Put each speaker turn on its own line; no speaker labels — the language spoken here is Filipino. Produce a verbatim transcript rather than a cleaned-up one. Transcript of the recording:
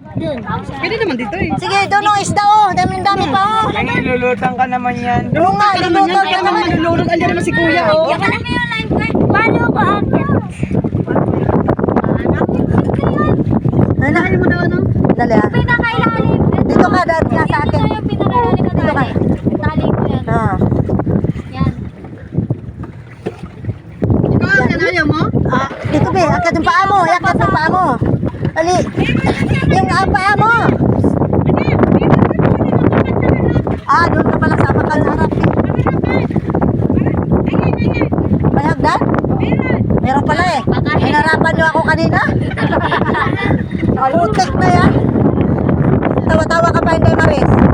Pwede naman dito eh.
Sige, doon ang isda oh. Dami-dami pa oh.
Ay, nilulutang ka naman yan.
Oo nga, lulutang ka naman.
Nalulunod. Andiyan naman si kuya oh.
Paano ba ate?
Ano?
Ayaw mo daw ano?
Dali ah.
Pinakailalim.
Dito ka, dahil nga sa akin.
Ito yung pinakailalim na
Dito ka.
tali. Tali ko yan.
Ah.
Yan.
Ikaw, yan ayaw mo?
Ah, dito be, akat yung paa mo, akat yung paa mo. Ali, yung ah, paa mo. Ah, doon ka pala sa bakal harap. May hagdan? Meron pala eh. Hinarapan niyo ako kanina. Putik na yan. Tawa-tawa ka pa, hindi Maris.